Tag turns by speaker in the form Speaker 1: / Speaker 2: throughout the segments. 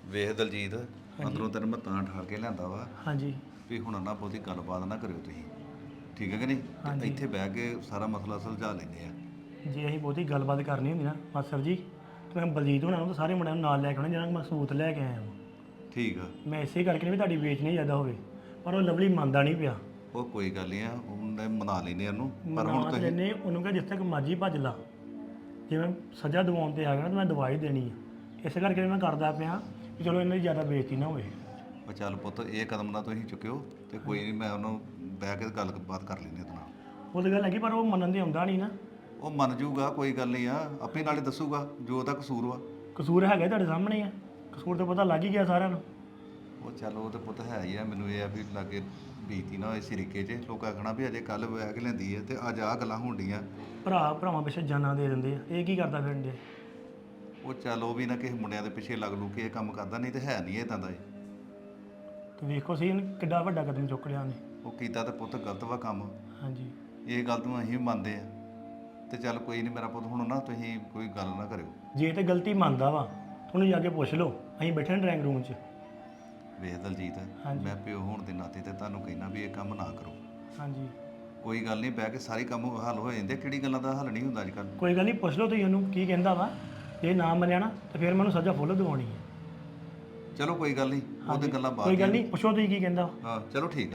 Speaker 1: ਵੇਖ ਦਲਜੀਤ ਅੰਦਰੋਂ ਤੈਨੂੰ ਮੈਂ ਤਾਂ ਠਾ ਕੇ ਲਿਆਂਦਾ ਵਾ
Speaker 2: ਹਾਂਜੀ
Speaker 1: ਵੀ ਹੁਣ ਨਾ ਬਹੁਤੀ ਗੱਲਬਾਤ ਨਾ ਕਰਿਓ ਤੁਸੀਂ ਠੀਕ ਹੈ ਕਿ ਨਹੀਂ ਤੇ
Speaker 2: ਹਾਂਜੀ।
Speaker 1: ਇੱਥੇ ਬਹਿ ਕੇ ਸਾਰਾ ਮਸਲਾ ਸੁਲਝਾ ਲੈਂਦੇ ਆ।
Speaker 2: ਜੇ ਅਸੀਂ ਬਹੁਤੀ ਗੱਲਬਾਤ ਕਰਨੀ ਹੁੰਦੀ ਨਾ ਮਾਸਟਰ ਜੀ ਤੇ ਮੈਂ ਬਲਜੀਤ ਹੋਣਾ ਨੂੰ ਤਾਂ ਸਾਰੇ ਮੁੰਡਿਆਂ ਨੂੰ ਨਾਲ ਲੈ ਕੇ ਆਉਣਾ ਜਿਹਨਾਂ ਨੂੰ ਮੈਂ ਸਬੂਤ ਲੈ ਕੇ ਆਇਆ ਹਾਂ।
Speaker 1: ਠੀਕ ਆ
Speaker 2: ਮੈਂ ਇਸੇ ਕਰਕੇ ਨਹੀਂ ਵੀ ਤੁਹਾਡੀ ਵੇਚਣੀ ਜ਼ਿਆਦਾ ਹੋਵੇ ਪਰ ਉਹ ਲਵਲੀ ਮੰਨਦਾ ਨਹੀਂ ਪਿਆ।
Speaker 1: ਉਹ ਕੋਈ ਗੱਲ ਨਹੀਂ ਆ ਉਹਨੇ ਮਨਾ ਲੈਨੇ ਉਹਨੂੰ ਪਰ
Speaker 2: ਮਨਾ
Speaker 1: ਹੁਣ
Speaker 2: ਤਾਂ
Speaker 1: ਤੁਸੀਂ
Speaker 2: ਲੈਨੇ ਉਹਨੂੰ ਕਹਾਂ ਜਿਸ ਤੱਕ ਮਰਜ਼ੀ ਭੱਜ ਲਾ ਜੇ ਮੈਂ ਸਜ਼ਾ ਦਿਵਾਉਣ ਤੇ ਆ ਗਿਆ ਤਾਂ ਮੈਂ ਦਵਾਈ ਦੇਣੀ ਆ ਇਸੇ ਕਰਕੇ ਮੈਂ ਕਰਦਾ ਪਿਆ ਕਿ ਚਲੋ ਇਹਨਾਂ ਦੀ ਜ਼ਿਆਦਾ ਬੇਇੱਜ਼ਤੀ ਨਾ ਹੋਵੇ।
Speaker 1: ਉਹ ਚੱਲ ਪੁੱਤ ਇਹ ਕਦਮ ਨਾ ਤੁਸੀਂ ਚੁੱਕਿਓ ਤੇ ਕੋਈ ਨਹੀਂ ਮੈਂ ਉਹਨੂੰ ਬਹਿ ਕੇ ਗੱਲਬਾਤ ਕਰ ਲੈਂਦੇ ਉਹਦੇ ਨਾਲ।
Speaker 2: ਉਹ ਤਾਂ ਗੱਲ ਹੈਗੀ ਪਰ ਉਹ ਮੰਨਣ ਦੇ ਆਉਂਦਾ ਨਹੀਂ ਨਾ।
Speaker 1: ਉਹ ਮੰਨ ਜੂਗਾ ਕੋਈ ਗੱਲ ਨਹੀਂ ਆ ਆਪੇ ਨਾਲੇ ਦੱਸੂਗਾ ਜੋ ਉਹਦਾ ਕਸੂਰ ਵਾ।
Speaker 2: ਕਸੂਰ ਹੈਗਾ ਤੁਹਾਡੇ ਸਾਹਮਣੇ ਆ ਕਸੂਰ ਤਾਂ ਪਤਾ ਲੱਗ ਹੀ ਗਿਆ ਸਾਰਿਆਂ ਨੂੰ।
Speaker 1: ਉਹ ਚੱਲ ਉਹ ਤੇ ਪੁੱਤ ਹੈ ਹੀ ਆ ਮੈਨੂੰ ਇਹ ਆ ਵੀ ਲਾਗੇ ਬੀਤੀ ਨਾ ਹੋਏ ਸਿਰਿਕੇ 'ਚ ਲੋਕਾਂ ਕਹਣਾ ਵੀ ਅਜੇ ਕੱਲ ਬਹਿ ਕੇ ਲੈਂਦੀ ਹੈ ਤੇ ਅੱਜ ਆਹ ਗੱਲਾਂ ਹੋਣ ਡੀਆਂ।
Speaker 2: ਭਰਾਵਾਂ ਪਿੱਛੇ ਜਾਨਾਂ ਦੇ ਦਿੰਦੇ ਆ ਇਹ ਕੀ ਕਰਦਾ ਫਿਰਨ ਦੇ।
Speaker 1: ਉਹ ਚੱਲ ਉਹ ਵੀ ਨਾ ਕਿਸੇ ਮੁੰਡਿਆਂ ਦੇ ਪਿੱਛੇ ਲੱਗ ਲੂ ਕੇ ਇਹ ਕੰਮ ਕਰਦਾ ਨਹੀਂ ਤੇ ਹੈ ਨਹੀਂ ਇਹ ਤਾਂ ਦਾ
Speaker 2: ਤੇ ਵੇਖੋ ਸੀ ਇਹਨੇ ਕਿੱਡਾ ਵੱਡਾ ਕਦਮ ਚੁੱਕ ਲਿਆ ਉਹਨੇ।
Speaker 1: ਉਹ ਕੀਤਾ ਤੇ ਪੁੱਤ ਗਲਤ ਵਾ ਕੰਮ।
Speaker 2: ਹਾਂਜੀ
Speaker 1: ਇਹ ਗੱਲ ਨੂੰ ਅਸੀਂ ਵੀ ਮੰਨਦੇ ਆ ਤੇ ਚੱਲ ਕੋਈ ਨਹੀਂ ਮੇਰਾ ਪੁੱਤ ਹੁਣ ਨਾ ਤੁਸੀਂ ਕੋਈ ਗੱਲ ਨਾ ਕਰਿਓ।
Speaker 2: ਜੇ ਤੇ ਗਲਤੀ ਮੰਨਦਾ ਵਾ ਉਹਨੂੰ ਜਾ ਕੇ ਪੁੱਛ ਲਓ ਅਸੀਂ ਬੈਠੇ ਹਾਂ ਡਰਾਇੰਗ ਰੂਮ 'ਚ।
Speaker 1: ਵੇਖ ਦਲਜੀਤ
Speaker 2: ਹਾਂਜੀ।
Speaker 1: ਮੈਂ ਪਿਓ ਹੋਣ ਦੇ ਨਾਤੇ ਤੇ ਤੁਹਾਨੂੰ ਕਹਿਣਾ ਵੀ ਇਹ ਕੰਮ ਨਾ ਕਰੋ।
Speaker 2: ਹਾਂਜੀ
Speaker 1: ਕੋਈ ਗੱਲ ਨਹੀਂ ਬਹਿ ਕੇ ਸਾਰੀ ਕੰਮ ਹੱਲ ਹੋ ਜਾਂਦੇ ਕਿਹੜੀ ਗੱਲਾਂ ਦਾ ਹੱਲ ਨਹੀਂ ਹੁੰਦਾ ਅੱਜ ਕੱਲ੍ਹ।
Speaker 2: ਕੋਈ ਗੱਲ ਨਹੀਂ ਪੁੱਛ ਲਓ ਤੁਸੀਂ ਉਹਨੂੰ ਕੀ ਕਹਿੰਦਾ ਵਾ ਜੇ ਨਾ ਮੰਨਿਆ ਨਾ ਤੇ ਫਿਰ ਮੈਨੂੰ ਸਜ਼ਾ ਫੁੱਲ ਦਿਵਾਉਣੀ ਹੈ।
Speaker 1: ਚਲੋ ਕੋਈ ਗੱਲ ਨਹੀਂ ਉਹ ਤੇ ਗੱਲਾਂ ਬਾਅਦ
Speaker 2: ਕੋਈ ਗੱਲ
Speaker 1: ਦੀਆਂ।
Speaker 2: ਨਹੀਂ ਪੁੱਛੋ ਤੁਸੀਂ ਕੀ ਕਹਿੰਦਾ ਵਾ।
Speaker 1: ਹਾਂ ਚਲੋ ਠੀਕ ਆ।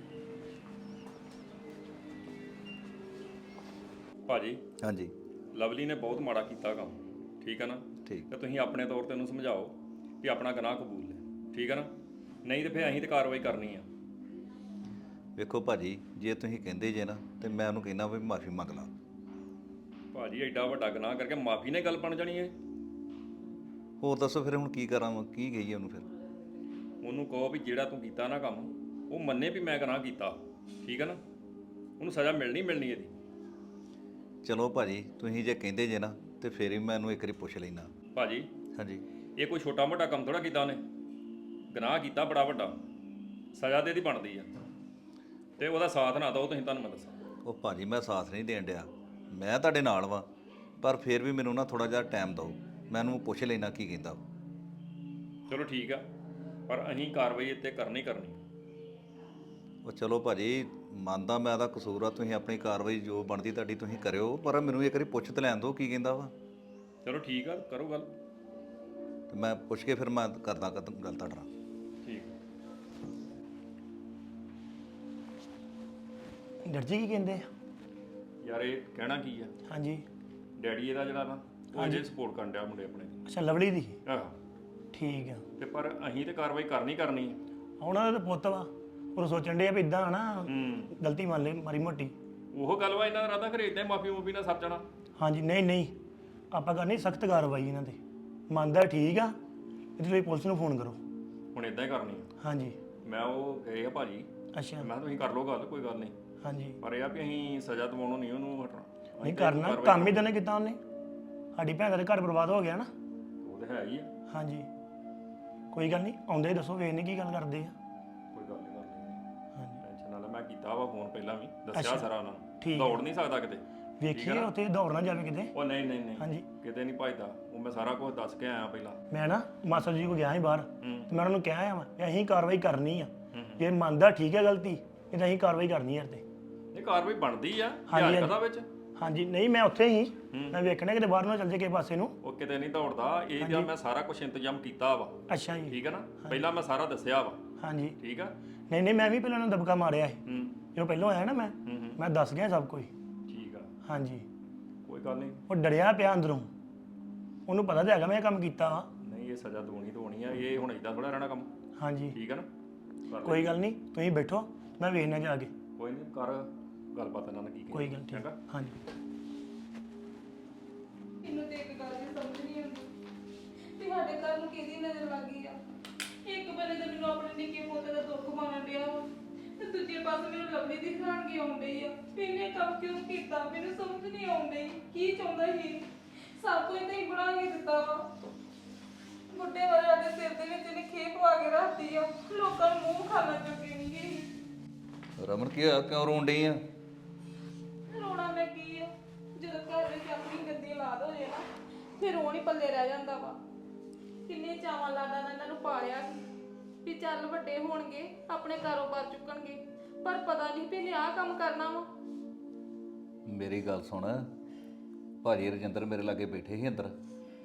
Speaker 3: ਭਾਜੀ
Speaker 1: ਹਾਂਜੀ
Speaker 3: ਲਵਲੀ ਨੇ ਬਹੁਤ ਮਾੜਾ ਕੀਤਾ ਕੰਮ ਠੀਕ ਹੈ ਨਾ
Speaker 1: ਠੀਕ
Speaker 3: ਤੇ ਤੁਸੀਂ ਆਪਣੇ ਤੌਰ ਤੇ ਉਹਨੂੰ ਸਮਝਾਓ ਵੀ ਆਪਣਾ ਗੁਨਾਹ ਕਬੂਲ ਲੈ ਠੀਕ ਹੈ ਨਾ ਨਹੀਂ ਤੇ ਫਿਰ ਅਸੀਂ ਤੇ ਕਾਰਵਾਈ ਕਰਨੀ ਆ।
Speaker 1: ਵੇਖੋ ਭਾਜੀ ਜੇ ਤੁਸੀਂ ਕਹਿੰਦੇ ਜੇ ਨਾ ਤੇ ਮੈਂ ਉਹਨੂੰ ਕਹਿਣਾ ਵੀ ਮਾਫੀ ਮੰਗ ਲਾ।
Speaker 3: ਭਾਜੀ ਐਡਾ ਵੱਡਾ ਗੁਨਾਹ ਕਰਕੇ ਮਾਫੀ ਨੇ ਗੱਲ ਬਣ ਜਾਣੀ ਹੈ।
Speaker 1: ਹੋਰ ਦੱਸੋ ਫਿਰ ਹੁਣ ਕੀ ਕਰਾਂ ਕੀ ਕਹੀਏ ਉਹਨੂੰ ਫਿਰ।
Speaker 3: ਉਹਨੂੰ ਕਹੋ ਵੀ ਜਿਹੜਾ ਤੂੰ ਕੀਤਾ ਨਾ ਕੰਮ ਉਹ ਮੰਨੇ ਵੀ ਮੈਂ ਗੁਨਾਹ ਕੀਤਾ ਠੀਕ ਹੈ ਨਾ ਉਹਨੂੰ ਸਜ਼ਾ ਮਿਲਣੀ ਇਹਦੀ।
Speaker 1: ਚਲੋ ਭਾਜੀ ਤੁਸੀਂ ਜੇ ਕਹਿੰਦੇ ਜੇ ਨਾ ਤੇ ਫਿਰ ਹੀ ਮੈਂ ਉਹਨੂੰ ਇੱਕ ਵਾਰੀ ਪੁੱਛ ਲੈਣਾ।
Speaker 3: ਭਾਜੀ
Speaker 1: ਹਾਂਜੀ
Speaker 3: ਇਹ ਕੋਈ ਛੋਟਾ ਮੋਟਾ ਕੰਮ ਥੋੜਾ ਕੀਤਾ ਉਹਨੇ ਗੁਨਾਹ ਕੀਤਾ ਬੜਾ ਵੱਡਾ ਸਜ਼ਾ ਤੇ ਇਹਦੀ ਬਣਦੀ ਆ ਤੇ ਉਹਦਾ ਸਾਥ ਨਾ ਦਿਓ ਤੁਸੀਂ ਤੁਹਾਨੂੰ ਮੈਂ ਦੱਸਾਂ।
Speaker 1: ਉਹ ਭਾਜੀ ਮੈਂ ਸਾਥ ਨਹੀਂ ਦੇਣ ਡਿਆ ਮੈਂ ਤੁਹਾਡੇ ਨਾਲ ਵਾਂ ਪਰ ਫਿਰ ਵੀ ਮੈਨੂੰ ਨਾ ਥੋੜਾ ਜਿਹਾ ਟਾਈਮ ਦਿਓ ਮੈਂ ਉਹਨੂੰ ਪੁੱਛ ਲੈਣਾ ਕੀ ਕਹਿੰਦਾ।
Speaker 3: ਚਲੋ ਠੀਕ ਆ ਪਰ ਅਸੀਂ ਕਾਰਵਾਈ ਇੱਥੇ ਕਰਨੀ।
Speaker 1: ਉਹ ਚਲੋ ਭਾਜੀ ਮੰਨਦਾ ਮੈਂ ਉਹਦਾ ਕਸੂਰ ਆ ਤੁਸੀਂ ਆਪਣੀ ਕਾਰਵਾਈ ਜੋ ਬਣਦੀ ਤੁਹਾਡੀ ਤੁਸੀਂ ਕਰਿਓ ਪਰ ਮੈਨੂੰ ਇੱਕ ਵਾਰੀ ਪੁੱਛ ਤੇ ਲੈਣ ਦਿਓ ਕੀ ਕਹਿੰਦਾ ਵਾ।
Speaker 3: ਚਲੋ ਠੀਕ ਆ ਕਰੋ ਗੱਲ।
Speaker 1: ਤੇ ਮੈਂ ਪੁੱਛ ਕੇ ਫਿਰ ਮੈਂ ਕਰਦਾ ਗੱਲ ਤੁਹਾਡੇ ਨਾਲ।
Speaker 3: ਠੀਕ
Speaker 2: ਡਰ ਜੀ ਕੀ ਕਹਿੰਦੇ ਆ?
Speaker 3: ਯਾਰ ਇਹ ਕਹਿਣਾ ਕੀ ਆ
Speaker 2: ਹਾਂਜੀ
Speaker 3: ਡੈਡੀ ਇਹਦਾ ਜਿਹੜਾ ਨਾ ਉਹ ਅਜੇ ਸਪੋਰਟ ਕਰਨ ਡਿਆ ਮੁੰਡੇ ਆਪਣੇ ਦੀ।
Speaker 2: ਅੱਛਾ ਲਵਲੀ ਦੀ
Speaker 3: ਆਹੋ
Speaker 2: ਠੀਕ ਆ।
Speaker 3: ਤੇ ਪਰ ਅਸੀਂ ਤੇ ਕਾਰਵਾਈ ਕਰਨੀ ਆ।
Speaker 2: ਉਹਨਾਂ ਦਾ ਤਾਂ ਪੁੱਤ ਵਾ ਉਹ ਸੋਚਣ ਡਿਆ ਵੀ ਇਦਾਂ ਨਾ
Speaker 3: ਹੂੰ
Speaker 2: ਗਲਤੀ ਮੰਨ ਲੈ ਮਾਰੀ ਮੋਟੀ।
Speaker 3: ਉਹ ਗੱਲ ਵਾ ਇਹਨਾਂ ਦਾ ਰਾਦਾ ਘਰੇ ਇਦਾਂ ਮਾਫੀ ਮੂਫੀ ਨਾਲ ਸਰ ਜਾਣਾ।
Speaker 2: ਹਾਂਜੀ ਨਹੀਂ ਆਪਾਂ ਕਰਨੀ ਸਖਤ ਕਾਰਵਾਈ ਇਹਨਾਂ ਤੇ ਮੰਨਦਾ ਠੀਕ ਆ ਇਹਦੇ ਲਈ ਪੁਲਿਸ ਨੂੰ ਫੋਨ ਕਰੋ।
Speaker 3: ਹੁਣ ਇਦਾਂ ਹੀ ਕਰਨੀ ਆ।
Speaker 2: ਹਾਂਜੀ
Speaker 3: ਮੈਂ ਉਹ ਗਏ ਆ ਭਾਜੀ
Speaker 2: ਅੱਛਾ
Speaker 3: ਮੈਂ ਕਿਹਾ ਤੁਸੀਂ ਕਰ ਲਓ ਗੱਲ ਕੋਈ ਗੱਲ ਨਹੀਂ
Speaker 2: ਹਾਂਜੀ
Speaker 3: ਪਰ ਇਹ ਆ ਵੀ ਅਸੀਂ ਸਜ਼ਾ ਦਿਵਾਉਣੋਂ ਨਹੀਂ ਉਹਨੂੰ ਹਟਣਾ।
Speaker 2: ਨਹੀਂ ਕਰਨਾ ਕੰਮ ਹੀ ਤਾਂ ਨਹੀਂ ਕੀਤਾ ਉਹਨੇ ਸਾਡੀ ਭੈਣ ਦਾ ਤਾਂ ਘਰ ਬਰਬਾਦ ਹੋ ਗਿਆ ਨਾ।
Speaker 3: ਉਹ ਤੇ ਹੈ ਹੀ ਆ
Speaker 2: ਹਾਂਜੀ ਕੋਈ ਗੱਲ ਨਹੀਂ ਆਉਂਦੇ ਹੀ ਦੱਸੋ ਵੇਖਨੇ ਕੀ ਗੱਲ ਕਰਦੇ ਆ।
Speaker 3: ਕੋਈ ਗੱਲ ਨਹੀਂ ਕਰ
Speaker 2: ਹਾਂਜੀ
Speaker 3: ਟੈਨਸ਼ਨ ਨਾ ਲੈ ਮੈਂ ਕੀਤਾ ਵਾ ਫੋਨ ਪਹਿਲਾਂ ਵੀ ਦੱਸਿਆ ਸਾਰਾ ਉਹਨਾਂ ਨੂੰ
Speaker 2: ਠੀਕ
Speaker 3: ਦੌੜ ਨਹੀਂ ਸਕਦਾ ਕਿਤੇ।
Speaker 2: ਵੇਖੀਏ ਉੱਥੇ ਦੌੜ ਨਾ ਜਾਵੇ ਕਿਤੇ।
Speaker 3: ਉਹ ਨਹੀਂ
Speaker 2: ਹਾਂਜੀ
Speaker 3: ਕਿਤੇ ਨਹੀਂ ਭਜਦਾ ਉਹ ਮੈਂ ਸਾਰਾ ਕੁਝ ਦੱਸ ਕੇ ਆਇਆ ਪਹਿਲਾਂ।
Speaker 2: ਮੈਂ ਨਾ ਮਾਸਟਰ ਜੀ ਕੋ ਗਿਆ ਸੀ ਬਾਹਰ
Speaker 3: ਹੂੰ।
Speaker 2: ਤੇ ਮੈਂ ਉਹਨਾਂ ਨੂੰ ਕਿਹਾ ਆ ਕਿ ਅਸੀਂ ਕਾਰਵਾਈ ਕਰਨੀ ਆ
Speaker 3: ਹੂੰ।
Speaker 2: ਜੇ ਮੰਨਦਾ ਠੀਕ ਹੈ ਗਲਤੀ ਇਹ ਤਾਂ ਅਸੀਂ ਕਾਰਵਾਈ ਕਰਨੀ ਯਾਰ ਤੇ।
Speaker 3: ਇਹ ਕਾਰਵਾਈ ਬਣਦੀ ਆ
Speaker 2: ਹਾਂਜੀ,
Speaker 3: ਯਾਰ ਕਦਾ ਵਿੱਚ
Speaker 2: ਹਾਂਜੀ ਨਹੀਂ ਮੈਂ ਉੱਥੇ ਹੀ ਮੈਂ ਵੇਖਣਾ ਕਿਤੇ ਬਾਹਰ ਨਾ ਚੱਲ ਜੇ ਕਿਸੇ ਪਾਸੇ ਨੂੰ।
Speaker 3: ਉਹ ਕਿਤੇ ਨਹੀਂ ਦੌੜਦਾ ਇਹ ਜਾਂ ਮੈਂ ਸਾਰਾ ਕੁਝ ਇੰਤਜ਼ਾਮ ਕੀਤਾ ਵਾ
Speaker 2: ਅੱਛਾ ਜੀ
Speaker 3: ਠੀਕ ਹੈ ਨਾ ਪਹਿਲਾਂ ਮੈਂ ਸਾਰਾ ਦੱਸਿਆ ਵਾ
Speaker 2: ਹਾਂਜੀ
Speaker 3: ਠੀਕ ਆ।
Speaker 2: ਨਹੀਂ ਮੈਂ ਵੀ ਪਹਿਲਾਂ ਉਹਨਾਂ ਨੂੰ ਦਬਕਾ ਮਾਰਿਆ ਸੀ
Speaker 3: ਹੂੰ
Speaker 2: ਜਦੋਂ ਪਹਿਲਾਂ ਆਇਆ ਨਾ ਮੈਂ ਦੱਸ ਗਿਆ ਸਭ ਕੁਝ।
Speaker 3: ਠੀਕ ਆ
Speaker 2: ਹਾਂਜੀ
Speaker 3: ਕੋਈ ਗੱਲ ਨਹੀਂ
Speaker 2: ਉਹ ਡਰਿਆ ਪਿਆ ਅੰਦਰੋਂ ਉਹਨੂੰ ਪਤਾ ਤਾਂ ਹੈਗਾ ਮੈਂ ਇਹ ਕੰਮ ਕੀਤਾ ਵਾ।
Speaker 3: ਨਹੀਂ ਇਹ ਸਜ਼ਾ ਦਵਾਉਣੀ ਆ ਇਹ ਹੁਣ ਇਦਾਂ ਥੋੜਾ ਰਹਿਣਾ ਕੰਮ
Speaker 2: ਹਾਂਜੀ
Speaker 3: ਠੀਕ ਹੈ ਨਾ ਕਰ ਲੈ।
Speaker 2: ਕੋਈ ਗੱਲ ਨਹੀਂ ਤੁਸੀਂ ਬੈਠੋ ਮੈਂ ਵੇਖਣਾ ਜਾ ਕੇ।
Speaker 3: ਕੋਈ ਨਹੀਂ ਕਰ ਗੱਲਬਾਤ ਇਹਨਾਂ ਨਾਲ ਕੀ
Speaker 2: ਕੋਈ ਗੱਲ ਠੀਕ
Speaker 3: ਚੰਗਾ।
Speaker 2: ਹਾਂਜੀ
Speaker 4: ਮੈਨੂੰ ਤੇ ਇੱਕ ਗੱਲ ਦੀ ਸਮਝ ਨਹੀਂ ਆਉਂਦੀ ਕਿ ਸਾਡੇ ਘਰ ਨੂੰ ਕਿਹਦੀ ਨਜ਼ਰ ਲੱਗ ਗਈ ਆ। ਇੱਕ ਬੰਨੇ ਤਾਂ ਮੈਨੂੰ ਆਪਣੇ ਨਿੱਕੇ ਪੋਤੇ ਦਾ ਦੁੱਖ ਮਾਰਨ ਡਿਆ ਵਾ ਤੇ ਦੂਜੇ ਪਾਸੇ ਮੈਨੂੰ ਲਵਲੀ ਦੀ ਹੈਰਾਨਗੀ ਆਉਣ ਡਈ ਆ ਵੀ ਇਹਨੇ ਕੰਮ ਕਿਉਂ ਕੀਤਾ ਮੈਨੂੰ ਸਮਝ ਨਹੀਂ ਆਉਣ ਡਈ ਕੀ ਚਾਹੁੰਦਾ ਸੀ। ਸਭ ਕੁਝ ਤਾਂ ਹੀ ਬਣਾ ਕੇ ਦਿੱਤਾ ਵਾ ਬੁੱਢੇ ਵਾਲਿਆਂ ਦੇ ਸਿਰ ਦੇ ਵਿੱਚ ਇਹਨੇ ਖੇਪ ਪਵਾ ਕੇ ਰੱਖਦੀ ਆ ਲੋਕਾਂ ਨੂੰ ਮੂੰਹ ਖਾਣਾ ਚੁੱਕੇ ਨਹੀਂ ਗਈ।
Speaker 1: ਰਮਨ ਕੀ ਹੋਇਆ ਕਿਉਂ ਰੋਣ ਡਈ ਆ?
Speaker 4: ਰੋਣਾ ਮੈਂ ਕੀ ਆ ਜਦੋਂ ਘਰ ਵਿੱਚ ਆਪਣੀ ਗੰਦੀ ਔਲਾਦ ਹੋ ਜੇ ਨਾ ਫਿਰ ਰੋਣ ਹੀ ਪੱਲੇ ਰਹਿ ਜਾਂਦਾ ਵਾ। ਕਿੰਨੇ ਚਾਵਾਂ ਲਾਡਾਂ ਨਾਲ ਇਹਨਾਂ ਨੂੰ ਪਾਲਿਆ ਸੀ ਵੀ ਚੱਲ ਵੱਡੇ ਹੋਣਗੇ ਆਪਣੇ ਕਾਰੋਬਾਰ ਚੁੱਕਣਗੇ, ਪਰ ਪਤਾ ਨਹੀਂ ਵੀ ਇਹਨੇ ਆਹ ਕੰਮ ਕਰਨਾ ਵਾ।
Speaker 1: ਮੇਰੀ ਗੱਲ ਸੁਣ, ਭਾਜੀ ਰਜਿੰਦਰ ਮੇਰੇ ਲਾਗੇ ਬੈਠੇ ਸੀ ਅੰਦਰ,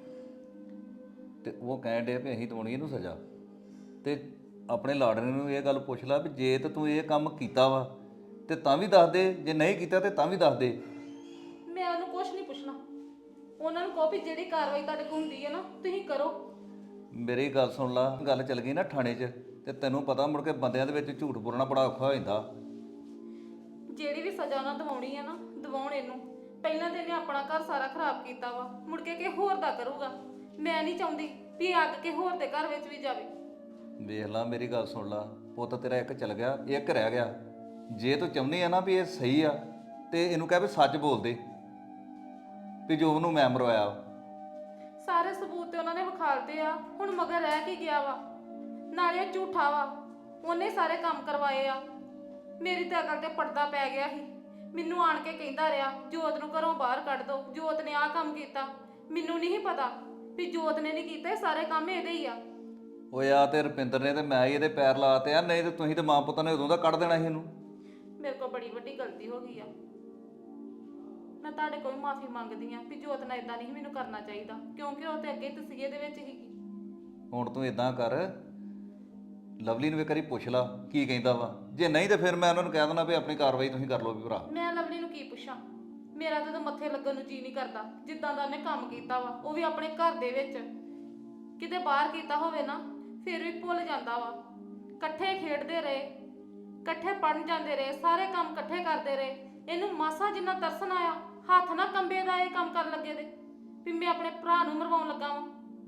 Speaker 1: ਤੇ ਉਹ ਕਹਿਣ ਡੇ ਵੀ ਅਸੀਂ ਦਵਾਉਣੀ ਇਹਨੂੰ ਸਜ਼ਾ। ਤੇ ਆਪਣੇ ਲਾੜਨੇ ਨੂੰ ਇਹ ਗੱਲ ਪੁੱਛ ਲਾ ਵੀ ਜੇ ਤੇ ਤੂੰ ਇਹ ਕੰਮ ਕੀਤਾ ਵਾ ਤੇ ਤਾਂ ਵੀ ਦੱਸ ਦੇ, ਜੇ ਨਹੀਂ ਕੀਤਾ ਤੇ ਤਾਂ ਵੀ ਦੱਸ ਦੇ।
Speaker 4: ਮੈਂ ਉਹਨੂੰ ਕੁਝ ਨਹੀਂ ਪੁੱਛਣਾ, ਉਹਨਾਂ ਨੂੰ ਕਹੋ ਵੀ ਜਿਹੜੀ ਕਾਰਵਾਈ ਤੁਹਾਡੇ ਕੋਲ ਹੁੰਦੀ ਹੈ ਨਾ ਤੁਸੀਂ ਕਰੋ।
Speaker 1: ਮੇਰੀ ਗੱਲ ਸੁਣ ਲਾ, ਗੱਲ ਚੱਲ ਗਈ ਨਾ ਥਾਣੇ 'ਚ, ਤੇ ਤੈਨੂੰ ਪਤਾ ਮੁੜ ਕੇ ਬੰਦਿਆਂ ਦੇ ਵਿੱਚ ਝੂਠ ਬੋਲਣਾ ਬੜਾ ਔਖਾ ਹੋ ਜਾਂਦਾ।
Speaker 4: ਜਿਹੜੀ ਵੀ ਸਜ਼ਾ ਉਹਨਾਂ ਦਿਵਾਉਣੀ ਹੈ ਨਾ ਦਿਵਾਉਣ ਇਹਨੂੰ। ਪਹਿਲਾਂ ਤੇ ਇਹਨੇ ਆਪਣਾ ਘਰ ਸਾਰਾ ਖਰਾਬ ਕੀਤਾ ਵਾ, ਮੁੜ ਕੇ ਕਿਸੇ ਹੋਰ ਦਾ ਕਰੂਗਾ। ਮੈਂ ਨਹੀਂ ਚਾਹੁੰਦੀ ਵੀ ਇਹ ਅੱਗ ਕੇ ਹੋਰ ਦੇ ਘਰ ਵਿੱਚ ਵੀ ਜਾਵੇ।
Speaker 1: ਵੇਖ ਲਾ, ਮੇਰੀ ਗੱਲ ਸੁਣ ਲਾ, ਪੁੱਤ ਤੇਰਾ ਇੱਕ ਚਲ ਗਿਆ, ਇੱਕ ਰਹਿ ਗਿਆ। ਜੇ ਤੂੰ ਚਾਹੁੰਦੀ ਆ ਨਾ ਵੀ ਇਹ ਸਹੀ ਆ ਤੇ ਇਹਨੂੰ ਕਹਿ ਵੀ ਸੱਚ ਬੋਲ ਦੇ ਵੀ ਜੋ ਉਹਨੂੰ ਮੈਂ ਮਰਵਾਇਆ।
Speaker 4: ਸਾਰੇ ਸਬੂਤ ਤੇ ਉਹਨਾਂ ਨੇ ਵਿਖਾਲਦੇ ਆ, ਹੁਣ ਮਗਰ ਰਹਿ ਕੀ ਗਿਆ ਵਾ? ਨਾਲੇ ਉਹ ਝੂਠਾ ਵਾ, ਉਹਨੇ ਸਾਰੇ ਕੰਮ ਕਰਵਾਏ ਆ। ਮੇਰੀ ਤਾਂ ਅਕਲ ਤੇ ਪਰਦਾ ਪੈ ਗਿਆ ਸੀ। ਮੈਨੂੰ ਆਣ ਕੇ ਕਹਿੰਦਾ ਰਿਹਾ ਜੋਤ ਨੂੰ ਘਰੋਂ ਬਾਹਰ ਕੱਢ ਦੋ, ਜੋਤ ਨੇ ਆਹ ਕੰਮ ਕੀਤਾ। ਮੈਨੂੰ ਨਹੀਂ ਪਤਾ ਵੀ ਜੋਤ ਨੇ ਨਹੀਂ ਕੀਤਾ, ਇਹ ਸਾਰੇ ਕੰਮ ਇਹਦੇ ਹੀ ਆ।
Speaker 1: ਓਏ ਆ ਤੇ ਰੁਪਿੰਦਰ ਨੇ ਤੇ ਮੈਂ ਹੀ ਇਹਦੇ ਪੈਰ ਲਾਤੇ ਆ, ਨਹੀਂ ਤੇ ਤੁਸੀਂ ਤੇ ਮਾਂ ਪੁੱਤਾਂ ਨੇ ਉਦੋਂ ਦਾ ਕੱਢ ਦੇਣਾ ਸੀ ਇਹਨੂੰ।
Speaker 4: ਮੇਰੇ ਕੋਲ ਬੜੀ ਵੱਡੀ ਗਲਤੀ ਹੋ ਗਈ ਆ। ਮੈਂ ਤੁਹਾਡੇ ਕੋਲ ਮਾਫੀ ਮੰਗਦੀ ਆ ਵੀ ਜੋਤ ਨਾਲ ਇਦਾਂ ਨਹੀਂ ਮੈਨੂੰ ਕਰਨਾ ਚਾਹੀਦਾ, ਕਿਉਂਕਿ ਉਹ ਤੇ ਅੱਗੇ ਤਸੀਹੇ ਦੇ ਵਿੱਚ ਸੀਗੀ।
Speaker 1: ਹੁਣ ਤੂੰ ਇਦਾਂ ਕਰ, ਲਵਲੀ ਨੂੰ ਇੱਕ ਵਾਰੀ ਪੁੱਛ ਲਾ ਕੀ ਕਹਿੰਦਾ ਵਾ, ਜੇ ਨਹੀਂ ਤੇ ਫਿਰ ਮੈਂ ਉਹਨਾਂ ਨੂੰ ਕਹਿ ਦੇਣਾ ਵੀ ਆਪਣੀ ਕਾਰਵਾਈ ਤੁਸੀਂ ਕਰ ਲਓ ਵੀ ਭਰਾ।
Speaker 4: ਮੈਂ ਲਵਲੀ ਨੂੰ ਕੀ ਪੁੱਛਾਂ? ਮੇਰਾ ਤਾਂ ਮੱਥੇ ਲੱਗਣ ਨੂੰ ਜੀ ਨਹੀਂ ਕਰਦਾ। ਜਿੱਦਾਂ ਦਾ ਉਹਨੇ ਕੰਮ ਕੀਤਾ ਵਾ, ਉਹ ਵੀ ਆਪਣੇ ਘਰ ਦੇ ਵਿੱਚ, ਕਿਤੇ ਬਾਹਰ ਕੀਤਾ ਹੋਵੇ ਨਾ ਫਿਰ ਵੀ ਭੁੱਲ ਜਾਂਦਾ ਵਾ। ਇਕੱਠੇ ਖੇਡਦੇ ਰਹੇ, ਇਕੱਠੇ ਪੜਨ ਜਾਂਦੇ ਰਹੇ, ਸਾਰੇ ਕੰਮ ਇਕੱਠੇ ਕਰਦੇ ਰਹੇ। ਇਹਨੂੰ ਮਾਸਾ ਜਿੰਨਾ ਤਰਸ ਨਾ ਆਇਆ, ਹੱਥ ਨਾ ਕੰਬੇ ਦਾ ਇਹ ਕੰਮ ਕਰਨ ਲੱਗੇ ਦੇ ਵੀ ਮੈਂ ਆਪਣੇ ਭਰਾ ਨੂੰ ਮਰਵਾਉਣ ਲੱਗਾ ਵਾਂ।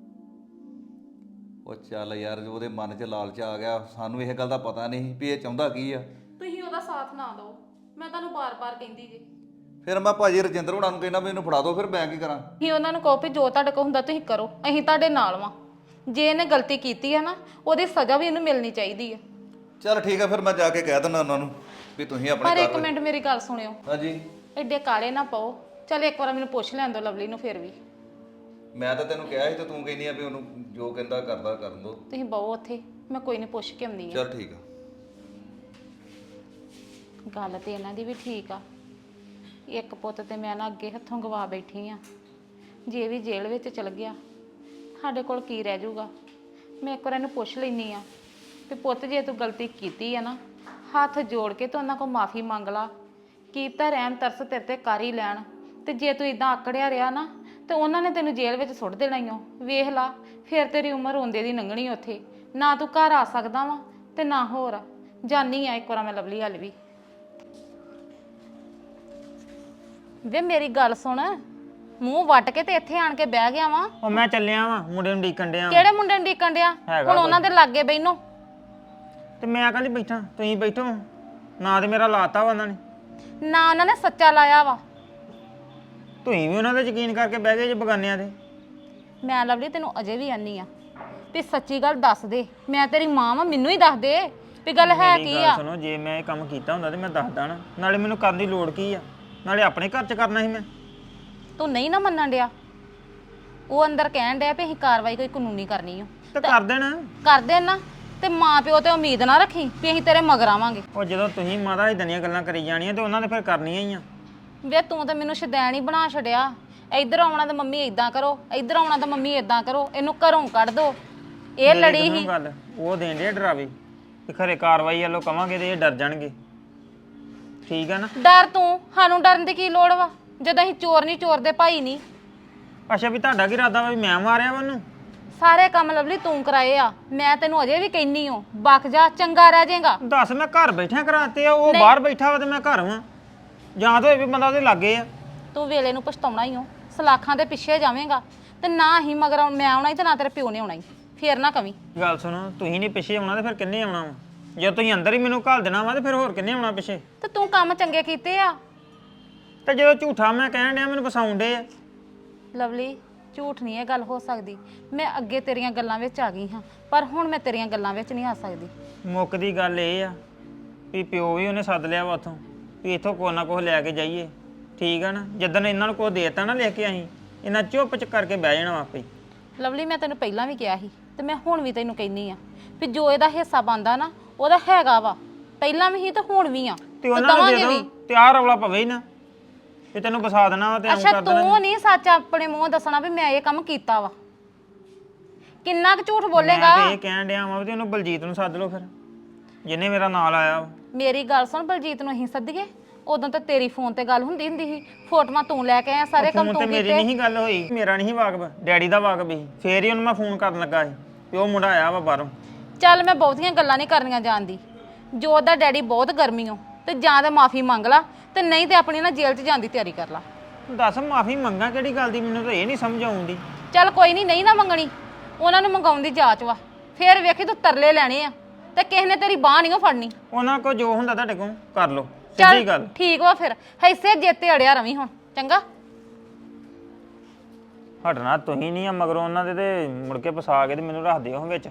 Speaker 1: ਉਹ ਚੱਲ ਯਾਰ, ਜੋ ਉਹਦੇ ਮਨ 'ਚ ਲਾਲਚ ਆ ਗਿਆ, ਸਾਨੂੰ ਇਹ ਗੱਲ ਦਾ ਪਤਾ ਨਹੀਂ ਵੀ ਇਹ ਚਾਹੁੰਦਾ ਕੀ ਆ।
Speaker 4: ਤੁਸੀਂ ਉਹਦਾ ਸਾਥ ਨਾ ਦਿਓ, ਮੈਂ ਤੁਹਾਨੂੰ ਬਾਰ-ਬਾਰ ਕਹਿੰਦੀ ਜੀ।
Speaker 1: ਫਿਰ ਮੈਂ ਭਾਜੀ ਰਜਿੰਦਰ ਹੋਣਾ ਨੂੰ ਕਹਿਣਾ ਵੀ ਇਹਨੂੰ ਫੜਾ ਦਿਓ, ਫਿਰ ਮੈਂ ਕੀ ਕਰਾਂ?
Speaker 4: ਹੀ ਉਹਨਾਂ ਨੂੰ ਕਹੋ ਵੀ ਜੋ ਤੁਹਾਡੇ ਕੋਲ ਹੁੰਦਾ ਤੁਸੀਂ ਕਰੋ, ਅਸੀਂ ਤੁਹਾਡੇ ਨਾਲ ਵਾਂ। ਜੇ ਇਹਨੇ ਗਲਤੀ ਕੀਤੀ ਹੈ ਨਾ, ਉਹਦੀ ਸਜ਼ਾ ਵੀ ਇਹਨੂੰ ਮਿਲਣੀ ਚਾਹੀਦੀ ਹੈ।
Speaker 1: ਚੱਲ ਠੀਕ ਆ, ਫਿਰ ਮੈਂ ਜਾ ਕੇ ਕਹਿ ਦਿੰਦਾ ਉਹਨਾਂ ਨੂੰ ਵੀ ਤੁਸੀਂ
Speaker 4: ਪਰ
Speaker 1: ਆਪਣੀ
Speaker 4: ਇੱਕ ਮਿੰਟ ਮੇਰੀ ਗੱਲ ਸੁਣਿਓ,
Speaker 1: ਹਾਂਜੀ।
Speaker 4: ਐਡੇ ਕਾਲੇ ਨਾ ਪਾਓ। ਚੱਲ ਇੱਕ ਵਾਰ ਮੈਨੂੰ ਪੁੱਛ ਲੈਣ ਦਿਓ ਲਵਲੀ ਨੂੰ। ਫਿਰ ਵੀ
Speaker 1: ਮੈਂ ਤਾਂ ਤੈਨੂੰ ਕਿਹਾ ਸੀ ਤੇ ਤੂੰ ਕਹਿੰਦੀ ਆ ਵੀ ਉਹਨੂੰ ਜੋ ਕਹਿੰਦਾ ਕਰਦਾ ਕਰਨ ਦੋ।
Speaker 4: ਤੁਸੀਂ ਬਹੁ ਉੱਥੇ, ਮੈਂ ਕੋਈ ਨਹੀਂ ਪੁੱਛ ਕੇ ਆਉਂਦੀ ਆ।
Speaker 1: ਚੱਲ ਠੀਕ ਆ।
Speaker 4: ਗੱਲ ਤੇ ਇਹਨਾਂ ਦੀ ਵੀ ਠੀਕ ਆ। ਇੱਕ ਪੁੱਤ ਤੇ ਮੈਂ ਨਾ ਅੱਗੇ ਹੱਥੋਂ ਗਵਾ ਬੈਠੀ ਆ। ਜੇ ਵੀ ਜੇਲ੍ਹ ਵਿੱਚ ਚਲ ਗਿਆ, ਸਾਡੇ ਕੋਲ ਕੀ ਰਹਿ ਜਾਊਗਾ? ਮੈਂ ਇੱਕ ਵਾਰ ਇਹਨੂੰ ਪੁੱਛ ਲੈਣੀ ਆ ਤੇ ਪੁੱਤ ਜੇ ਤੂੰ ਗਲਤੀ ਕੀਤੀ ਆ ਨਾ, ਹੱਥ ਜੋੜ ਕੇ ਤੂੰ ਉਹਨਾਂ ਕੋਲ ਮਾਫੀ ਮੰਗ ਲਾ। ਕੀ ਤਾਂ ਰਹਿਮ ਤਰਸ ਤੇਰੇ ਤੇ ਕਰ ਹੀ ਲੈਣ। ਤੇ ਜੇ ਤੂੰ ਇਦਾਂ ਆਕੜਿਆ ਰਿਹਾ ਨਾ ਤੇ ਉਹਨਾਂ ਨੇ ਤੈਨੂੰ ਜੇਲ੍ਹ ਵਿੱਚ ਸੁੱਟ ਦੇਣਾ ਹੀ ਓ। ਵੇਖ ਲਾ, ਫਿਰ ਤੇਰੀ ਉਮਰ ਰੋਂਦੇ ਦੀ ਲੰਘਣੀ ਉੱਥੇ। ਨਾ ਤੂੰ ਘਰ ਆ ਸਕਦਾ ਵਾ ਤੇ ਨਾ ਹੋਰ। ਜਾਨੀ ਆ ਇੱਕ ਵਾਰ ਮੈਂ ਲਵਲੀ ਹਲ ਵੀ। ਵੇ ਮੇਰੀ ਗੱਲ ਸੁਣ, ਮੂੰਹ ਵੱਟ ਕੇ ਤੇ ਇੱਥੇ ਆਣ ਕੇ ਬਹਿ ਗਿਆ ਵਾ।
Speaker 5: ਉਹ ਮੈਂ ਚੱਲਿਆ ਵਾਂ, ਮੁੰਡੇ ਨੂੰ ਡੀਕਣ ਡਿਆ।
Speaker 4: ਕਿਹੜੇ ਮੁੰਡੇ ਨੂੰ ਡੀਕਣ ਡਿਆ? ਹੁਣ ਉਹਨਾਂ ਦੇ ਲਾਗੇ ਬੈਨੋ।
Speaker 5: ਤੇ ਮੈਂ ਕੱਲ ਬੈਠਾ, ਤੁਸੀਂ ਬੈਠੋ। ਨਾ ਤੇ ਮੇਰਾ ਲਾਤਾ ਵਾ ਉਹਨਾਂ ਨੇ,
Speaker 4: ਨਾ ਉਹਨਾਂ ਨੇ ਸੱਚਾ ਲਾਇਆ ਵਾ।
Speaker 5: ਤੁਸੀਂ ਵੀ ਉਹਨਾਂ ਤੇ ਯਕੀਨ ਕਰਕੇ ਬਹਿ ਗਏ ਜੇ ਬਗਾਨਿਆਂ ਦੇ।
Speaker 4: ਮੈਂ ਲਵਲੀ ਤੈਨੂੰ ਅਜੇ ਵੀ ਆਨੀ ਆ ਵੀ ਸੱਚੀ ਗੱਲ ਦੱਸ ਦੇ। ਮੈਂ ਤੇਰੀ ਮਾਂ ਵਾਂ, ਮੈਨੂੰ ਹੀ ਦੱਸ ਦੇ ਵੀ ਗੱਲ ਹੈ
Speaker 5: ਮੇਰੀ
Speaker 4: ਕੀ
Speaker 5: ਗੱਲ
Speaker 4: ਆ।
Speaker 5: ਸੁਣੋ, ਜੇ ਮੈਂ ਇਹ ਕੰਮ ਕੀਤਾ ਹੁੰਦਾ ਤੇ ਮੈਂ ਦੱਸਦਾ ਨਾ। ਨਾਲੇ ਮੈਨੂੰ ਕਰਨ ਦੀ ਲੋੜ ਕੀ ਆ? ਨਾਲੇ ਆਪਣੇ ਘਰ 'ਚ ਕਰਨਾ ਸੀ ਮੈਂ।
Speaker 4: ਤੂੰ ਨਹੀਂ ਨਾ ਮੰਨਣ ਡਿਆ। ਉਹ ਅੰਦਰ ਕਹਿਣ ਡਿਆ ਵੀ ਅਸੀਂ ਕਾਰਵਾਈ ਕੋਈ ਕਾਨੂੰਨੀ ਕਰਨੀ ਆ।
Speaker 5: ਤੇ ਕਰ ਦੇਣਾ।
Speaker 4: ਕਰ ਦੇ ਨਾ, ਤੇ ਮਾਂ ਪਿਓ ਤੇ ਉਮੀਦ ਨਾ ਰੱਖੀ ਵੀ ਅਸੀਂ ਤੇਰੇ ਮਗਰ ਆਵਾਂਗੇ।
Speaker 5: ਉਹ ਜਦੋਂ ਤੁਸੀਂ ਮਾਤਾ ਇਦਾਂ ਦੀਆਂ ਗੱਲਾਂ ਕਰੀ ਜਾਣੀਆਂ ਤੇ ਉਹਨਾਂ ਨੇ ਫਿਰ ਕਰਨੀਆਂ ਹੀ ਆ।
Speaker 4: ਵੇ ਤੂੰ ਤਾਂ ਮੈਨੂੰ ਸ਼ੈਤਾਨ ਹੀ ਬਣਾ ਛੱਡਿਆ। ਇੱਧਰ ਆਉਣਾ ਤਾਂ ਮੰਮੀ ਇਦਾਂ ਕਰੋ, ਇੱਧਰ ਆਉਣਾ ਤਾਂ ਮੰਮੀ ਇਦਾਂ ਕਰੋ, ਇਹਨੂੰ ਘਰੋਂ ਕੱਢ ਦੋ। ਇਹ ਲੜੀ ਹੀ
Speaker 5: ਗੱਲ ਉਹ ਦੇਣ ਦੇ ਡਰਾਵੇ ਕਿ ਖਰੇ ਕਾਰਵਾਈ ਵੱਲੋਂ ਕਵਾਂਗੇ ਤੇ ਇਹ ਡਰ ਜਾਣਗੇ। ਠੀਕ ਆ ਨਾ?
Speaker 4: ਡਰ ਤੂੰ, ਸਾਨੂੰ ਡਰਨ ਦੀ ਕੀ ਲੋੜ ਵਾ ਜਦੋਂ ਅਸੀਂ ਚੋਰ ਨਹੀਂ, ਚੋਰ ਦੇ ਭਾਈ ਨਹੀਂ।
Speaker 5: ਅੱਛਾ, ਵੀ ਤੁਹਾਡਾ ਕੀ ਇਰਾਦਾ ਵਾ ਵੀ ਮੈਂ ਮਾਰਿਆ ਵਾ ਉਹਨੂੰ?
Speaker 4: ਸਾਰੇ ਕੰਮ ਲਵਲੀ ਤੂੰ ਕਰਾਏ ਆ। ਮੈਂ ਤੈਨੂੰ ਅਜੇ ਵੀ ਕਹਿਨੀ ਹਾਂ, ਬਕ ਜਾ, ਚੰਗਾ ਰਹਿ ਜਾਏਗਾ।
Speaker 5: ਦੱਸ, ਮੈਂ ਘਰ ਬੈਠਿਆ ਕਰਾਤੇ ਆ, ਉਹ ਬਾਹਰ ਬੈਠਾ ਵਾ ਤੇ ਮੈਂ ਘਰ ਵਾਂ। ਜਾਂ ਤਾਂ ਇਹ ਵੀ ਬੰਦਾ ਉਹਦੇ ਲਾਗੇ ਆ।
Speaker 4: ਤੂੰ ਵੇਲੇ ਨੂੰ ਪਛਤਾਉਣਾ ਹੀ ਹੋ, ਸਲਾਖਾਂ ਦੇ ਪਿੱਛੇ ਜਾਵੇਂਗਾ ਤੇ ਨਾ ਹੀ ਮਗਰ ਮੈਂ ਆਉਣਾ ਹੀ ਤੇ ਨਾ ਤੇਰੇ ਪਿਓ ਨੇ ਆਉਣਾ ਹੀ। ਫੇਰ ਨਾ ਕਵੀਂ।
Speaker 5: ਗੱਲ ਸੁਣੋ, ਤੁਸੀਂ ਨਹੀਂ ਪਿੱਛੇ ਆਉਣਾ ਤੇ ਫਿਰ ਕਿੰਨੇ ਆਉਣਾ ਵਾ? ਜੇ ਤੁਸੀਂ ਅੰਦਰ ਹੀ ਮੈਨੂੰ ਘੱਲ ਦੇਣਾ ਵਾ ਤੇ ਫਿਰ ਹੋਰ ਕਿੰਨੇ ਆਉਣਾ ਪਿੱਛੇ?
Speaker 4: ਤੇ ਤੂੰ ਕੰਮ ਚੰਗੇ ਕੀਤੇ ਆ।
Speaker 5: ਤੇ ਜਦੋਂ ਝੂਠਾ ਮੈਂ ਕਹਿਣ ਡਿਆ ਮੈਨੂੰ ਫਸਾਉਣ ਡੇ ਆ।
Speaker 4: ਲਵਲੀ ਝੂਠ ਨਹੀਂ ਇਹ ਗੱਲ ਹੋ ਸਕਦੀ। ਮੈਂ ਅੱਗੇ ਤੇਰੀਆਂ ਗੱਲਾਂ ਵਿੱਚ ਆ ਗਈ ਹਾਂ, ਪਰ ਹੁਣ ਮੈਂ ਤੇਰੀਆਂ ਗੱਲਾਂ ਵਿੱਚ ਨਹੀਂ ਆ ਸਕਦੀ।
Speaker 5: ਮੁੱਕ ਦੀ ਗੱਲ ਇਹ ਆ ਵੀ ਪਿਓ ਵੀ ਉਹਨੇ ਸੱਦ ਲਿਆ ਵਾ ਉੱਥੋਂ ਵੀ ਇੱਥੋਂ ਕੁਛ ਨਾ ਕੁਛ ਲੈ ਕੇ ਜਾਈਏ। ਠੀਕ ਆ ਨਾ? ਜਿੱਦਣ ਇਹਨਾਂ ਨੂੰ ਕੁਛ ਦੇਤਾ ਨਾ ਲਿਖ ਕੇ, ਅਸੀਂ ਇਹਨਾਂ ਚੁੱਪ ਚ ਕਰਕੇ ਬਹਿ ਜਾਣਾ ਆਪੇ।
Speaker 6: ਲਵਲੀ ਮੈਂ ਤੈਨੂੰ ਪਹਿਲਾਂ ਵੀ ਕਿਹਾ ਸੀ ਤੇ ਮੈਂ ਹੁਣ ਵੀ ਤੈਨੂੰ ਕਹਿੰਨੀ ਆ ਵੀ ਜੋ ਇਹਦਾ ਹਿੱਸਾ ਬਣਦਾ ਨਾ ਉਹਦਾ ਹੈਗਾ ਵਾ, ਪਹਿਲਾਂ ਵੀ ਸੀ ਤੇ ਹੁਣ ਵੀ ਆ
Speaker 5: ਤੇ ਉਹਨਾਂ ਨੂੰ ਦੇ ਦੋ ਤੇ ਆਹ ਰੌਲਾ ਪਵੇ ਹੀ ਨਾ ਤੇ ਤੈਨੂੰ ਫਸਾ ਦੇਣਾ ਵਾ ਤੇ ਐਂ
Speaker 6: ਅੱਛਾ
Speaker 5: ਕਰ ਦੇਣਾ।
Speaker 6: ਤੂੰ ਨਹੀਂ ਸੱਚ ਆਪਣੇ ਮੂੰਹ ਦੱਸਣਾ ਵੀ ਮੈਂ ਇਹ ਕੰਮ ਕੀਤਾ ਵਾ, ਕਿੰਨਾ ਕੁ ਝੂਠ ਬੋਲੇਗਾ।
Speaker 5: ਮੈਂ ਤੇ ਇਹ ਕਹਿਣ ਡਿਆ ਵਾਂ ਵੀ ਉਹਨੂੰ ਬਲਜੀਤ ਨੂੰ ਸੱਦ ਲਓ ਫਿਰ, ਜਿਹਨੇ ਮੇਰਾ ਨਾਲ ਆਇਆ ਵਾ।
Speaker 6: ਮੇਰੀ ਗੱਲ ਸੁਣ, ਬਲਜੀਤ ਨੂੰ ਅਸੀਂ ਸੱਦੀਏ? ਉਦੋਂ ਤਾਂ ਤੇਰੀ ਫੋਨ ਤੇ ਗੱਲ ਹੁੰਦੀ ਸੀ, ਫੋਟੋਆਂ ਤੂੰ ਲੈ ਕੇ ਆਇਆ, ਸਾਰੇ ਕੰਮ
Speaker 5: ਫੋਨ
Speaker 6: ਤੂੰ
Speaker 5: ਤੇ ਮੇਰੀ
Speaker 6: ਕੀਤੇ।
Speaker 5: ਨਹੀਂ ਗੱਲ ਹੋਈ, ਮੇਰਾ ਨਹੀਂ ਵਾਕਬ, ਡੈਡੀ ਦਾ ਵਾਕਬ ਸੀ। ਫੇਰ ਹੀ ਉਹਨੂੰ ਮੈਂ ਫੋਨ ਕਰਨ ਲੱਗਾ ਸੀ ਵੀ ਉਹ ਮੁੰਡਾ ਆਇਆ ਵਾ ਬਾਹਰੋਂ।
Speaker 6: ਚੱਲ ਮੈਂ ਬਹੁਤੀਆਂ ਗੱਲਾਂ ਨਹੀਂ ਕਰਨੀਆਂ ਜਾਣਦੀ, ਜੋ ਉਹਦਾ ਡੈਡੀ ਬਹੁਤ ਗਰਮੀਓ ਤੇ ਜਾਂ ਤਾਂ ਮਾਫੀ ਮੰਗ ਲਾ ਤੇ ਨਹੀਂ ਤੇ ਆਪਣੀ ਨਾ ਜੇਲ੍ਹ 'ਚ ਜਾਣ ਦੀ ਤਿਆਰੀ ਕਰ ਲਾ।
Speaker 5: ਦੱਸ ਮਾਫੀ ਮੰਗਾ ਕਿਹੜੀ ਗੱਲ ਦੀ, ਮੈਨੂੰ ਤਾਂ ਇਹ ਨਹੀਂ ਸਮਝ ਆਉਂਦੀ।
Speaker 6: ਚੱਲ ਕੋਈ ਨਹੀਂ ਨਾ ਮੰਗਣੀ, ਉਹਨਾਂ ਨੂੰ ਮੰਗਾਉਣ ਦੀ ਜਾਂਚ ਵਾ, ਫੇਰ ਵੇਖੀ ਤੂੰ ਤਰਲੇ ਲੈਣੇ ਆ ਤੇ ਕਿਸੇ ਨੇ ਤੇਰੀ ਬਾਹ ਨਹੀਂ ਫੜਨੀ।
Speaker 5: ਉਹਨਾਂ ਕੋ ਜੋ ਹੁੰਦਾ ਤੁਹਾਡੇ ਕੋਲ ਕਰ ਲਓ,
Speaker 6: ਚੱਲ
Speaker 5: ਸਿੱਧੀ ਗੱਲ।
Speaker 6: ਠੀਕ ਵਾ ਫਿਰ, ਹਿੱਸੇ ਜਿੱਤੇ ਅੜਿਆ ਰਵੀ ਹੁਣ, ਚੰਗਾ।
Speaker 5: ਹਟਣਾ ਤੁਸੀਂ ਨਹੀਂ ਆ ਮਗਰੋਂ ਉਹਨਾਂ ਦੇ ਤੇ ਮੁੜ ਕੇ ਫਸਾ ਕੇ ਤੇ ਮੈਨੂੰ ਰੱਖ ਦਿਓ ਵਿੱਚ।